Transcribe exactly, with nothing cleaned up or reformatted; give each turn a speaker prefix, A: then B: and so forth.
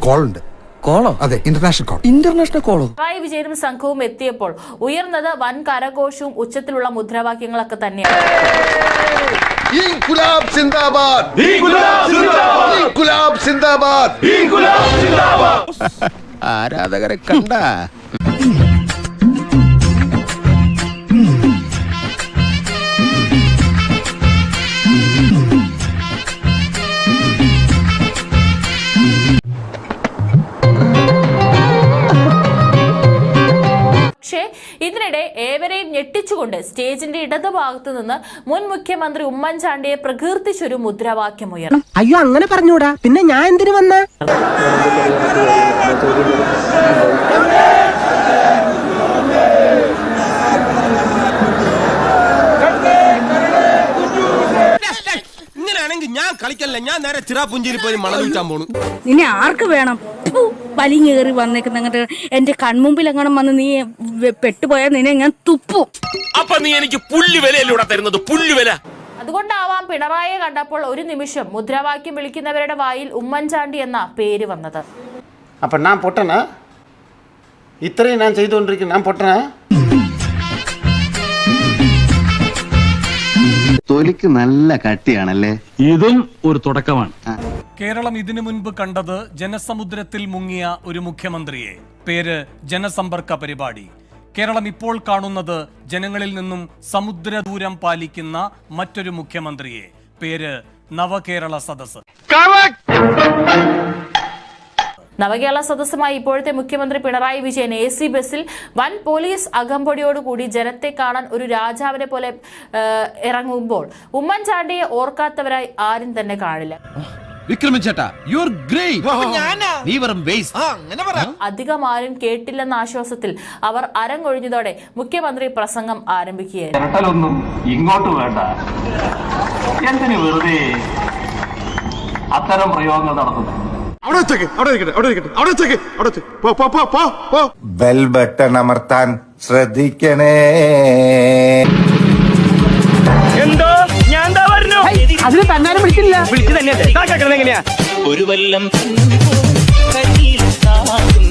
A: Call ഉണ്ട്.
B: കോളോ?
A: അതെ, ഇന്റർനാഷണൽ കോൾ.
B: ഇന്റർനാഷണൽ കോളോ?
C: പിണറായി വിജയനും സംഘവും എത്തിയപ്പോൾ ഉയർന്നത് വൻ കരഘോഷവും ഉച്ചത്തിലുള്ള മുദ്രാവാക്യങ്ങളൊക്കെ തന്നെയാണ്.
D: ഇൻകുലാബ് സിന്ദാബാദ്, ഇൻകുലാബ് സിന്ദാബാദ്, ഇൻകുലാബ് സിന്ദാബാദ്, ഇൻകുലാബ് സിന്ദാബാദ്.
E: ആരാധകരെ കണ്ട
C: പക്ഷേ ഇതിനിടെ ഏവരെയും ഞെട്ടിച്ചുകൊണ്ട് സ്റ്റേജിന്റെ ഇടതുഭാഗത്തു നിന്ന് മുൻ മുഖ്യമന്ത്രി ഉമ്മൻചാണ്ടിയെ പ്രകീർത്തിച്ചൊരു മുദ്രാവാക്യം ഉയർന്നു.
F: അയ്യോ, അങ്ങനെ പറഞ്ഞൂടാ. പിന്നെ ഞാൻ എന്തിനു വന്ന?
E: ഇങ്ങനെയാണെങ്കിൽ ഞാൻ കളിക്കല്ല, ഞാൻ നേരെ ചിറാപുഞ്ചിയിൽ പോയി മണം വിൽക്കാൻ പോണു.
G: നിന്നെ ആർക്ക് വേണം? വലിങ്ങേറി വന്നേക്കുന്ന അങ്ങോട്ട് എന്റെ കൺമുമ്പിൽ എങ്ങനെ വന്ന് നീ പെട്ടുപോയാൽ നിന്നെ ഞാൻ തുപ്പു.
E: അപ്പൊ നീ എനിക്ക് പുല്ലുവിലൂടെ തരുന്നത്, പുല്ലുവില.
C: അതുകൊണ്ടാവാം പിണറായിയെ കണ്ടപ്പോൾ ഒരു നിമിഷം മുദ്രാവാക്യം വിളിക്കുന്നവരുടെ വായിൽ ഉമ്മൻചാണ്ടി എന്ന പേര് വന്നത്.
H: അപ്പൊ ഞാൻ പൊട്ടനാ? ഇത്രയും ഞാൻ ചെയ്തുകൊണ്ടിരിക്കുന്നു, ഞാൻ പൊട്ടനാ?
I: തൊലിക്ക് നല്ല കട്ടിയാണല്ലേ.
J: ഇതും ഒരു തുടക്കമാണ്.
K: കേരളം ഇതിനു മുൻപ് കണ്ടത് ജനസമുദ്രത്തിൽ മുങ്ങിയ ഒരു മുഖ്യമന്ത്രിയെ, പേര് ജനസമ്പർക്ക പരിപാടി. കേരളം ഇപ്പോൾ കാണുന്നത് ജനങ്ങളിൽ നിന്നും സമുദ്രദൂരം പാലിക്കുന്ന മറ്റൊരു മുഖ്യമന്ത്രിയെ, പേര് നവകേരള സദസ്.
C: നവകേരള സദസ്സുമായി ഇപ്പോഴത്തെ മുഖ്യമന്ത്രി പിണറായി വിജയൻ എ സി ബസ്സിൽ വൻ പോലീസ് അകമ്പടിയോടുകൂടി ജനത്തെ കാണാൻ ഒരു രാജാവിനെ പോലെ ഇറങ്ങുമ്പോൾ ഉമ്മൻചാണ്ടിയെ ഓർക്കാത്തവരായി ആരും തന്നെ കാണില്ല. അധികം ആരും കേട്ടില്ലെന്ന ആശ്വാസത്തിൽ അവർ അരങ്ങൊഴിഞ്ഞതോടെ മുഖ്യമന്ത്രി പ്രസംഗം ആരംഭിക്കുകയായിരുന്നു.
J: ഇങ്ങോട്ട് വേണ്ട, എന്തിനു വെറുതെ അത്തരം പ്രയോഗങ്ങൾ നടത്തുന്നു?
D: ബെൽ ബട്ടൺ അമർത്താൻ ശ്രദ്ധിക്കണേ.
F: അതിന് തന്നാലും വിളിച്ചില്ല.
E: വിളിച്ചു തന്നെ എങ്ങനെയാ ഒരു വല്ലം